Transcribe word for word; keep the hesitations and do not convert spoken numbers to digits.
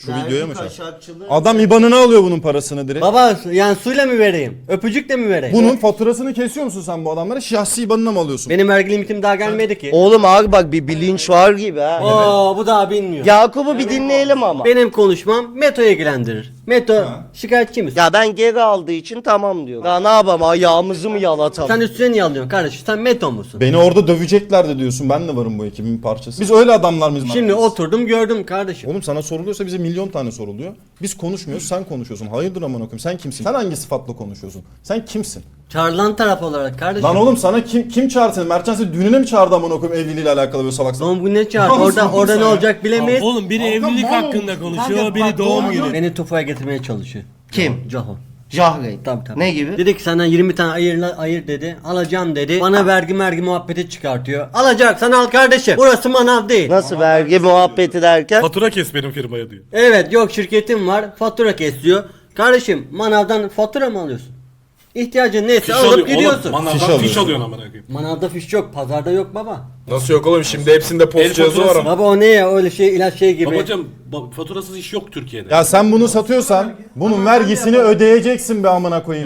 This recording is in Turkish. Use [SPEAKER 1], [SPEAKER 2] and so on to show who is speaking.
[SPEAKER 1] Şu
[SPEAKER 2] Vergi
[SPEAKER 1] videoya mı şu an?
[SPEAKER 2] kaçakçılığı-
[SPEAKER 1] Adam IBAN'ını alıyor bunun parasını direkt.
[SPEAKER 3] Baba yani suyla mı vereyim? Öpücükle mi vereyim?
[SPEAKER 1] Bunun faturasını kesiyor musun sen bu adamlara? Şahsi IBAN'ına mı alıyorsun?
[SPEAKER 3] Benim vergi limitim daha gelmedi ki.
[SPEAKER 4] Oğlum abi bak bir bilinç var gibi ha.
[SPEAKER 3] Oo bu daha bilmiyor.
[SPEAKER 4] Yakup'u bir dinleyelim ama.
[SPEAKER 3] Benim konuşmam Meto'yu ilgilendirir. Meto şikayetçi misin?
[SPEAKER 4] Ya ben geri aldığı için tamam diyor. Ya ne yapalım ayağımızı mı yalatalım?
[SPEAKER 3] Sen üstüne niye alıyorsun kardeşim? Sen Meto musun?
[SPEAKER 1] Beni orada döveceklerdi diyorsun. Ben de varım bu ekibin parçası. Biz öyle adamlar mıyız?
[SPEAKER 3] Şimdi oturdum gördüm kardeşim.
[SPEAKER 1] Oğlum sana soruluyorsa bize milyon tane soruluyor. Biz konuşmuyoruz, sen konuşuyorsun. Hayırdır amına koyayım? Sen kimsin? Sen hangi sıfatla konuşuyorsun? Sen kimsin?
[SPEAKER 3] Çağrılan taraf olarak kardeşim.
[SPEAKER 1] Lan oğlum sana kim kim çağırdı seni? Mertcan seni düğününe mi çağırdı amına koyayım evliliğiyle alakalı böyle salak salak?
[SPEAKER 3] Doğum gününe çağır.
[SPEAKER 1] Lan
[SPEAKER 3] Orada
[SPEAKER 1] sen
[SPEAKER 3] orada ne
[SPEAKER 1] ya.
[SPEAKER 3] olacak bilemeyiz.
[SPEAKER 5] Oğlum biri evlilik hakkında konuşuyor, biri doğum günü.
[SPEAKER 3] Beni Tufa'ya getirmeye çalışıyor.
[SPEAKER 4] Kim?
[SPEAKER 3] Caho.
[SPEAKER 4] Jahre.
[SPEAKER 3] Tabii tabii.
[SPEAKER 4] Ne gibi?
[SPEAKER 3] Dedi ki senden yirmi tane ayır, ayır dedi. Alacağım dedi. Bana vergi mergi muhabbeti çıkartıyor. Alacaksan al kardeşim. Burası manav değil.
[SPEAKER 4] Nasıl vergi muhabbeti derken?
[SPEAKER 5] Fatura kes benim firmaya diyor.
[SPEAKER 3] Evet yok şirketim var. Fatura kesiyor. Kardeşim manavdan fatura mı alıyorsun? İhtiyacın neyse
[SPEAKER 5] Fiş
[SPEAKER 3] alıp
[SPEAKER 5] alıyor.
[SPEAKER 3] gidiyorsun.
[SPEAKER 5] Oğlum
[SPEAKER 1] Fiş
[SPEAKER 5] manavdan
[SPEAKER 1] alıyorsun.
[SPEAKER 5] fiş alıyorsun amına koyayım.
[SPEAKER 3] Manavda fiş yok. Pazarda yok baba.
[SPEAKER 6] Nasıl yok oğlum şimdi hepsinde
[SPEAKER 5] El
[SPEAKER 6] post cihazı var
[SPEAKER 5] faturası.
[SPEAKER 6] ama.
[SPEAKER 3] Baba o ne ya öyle şey ilaç şey gibi.
[SPEAKER 5] Babacım ba- faturasız iş yok Türkiye'de.
[SPEAKER 1] Ya sen bunu satıyorsan bunun vergisini ödeyeceksin be amına koyayım.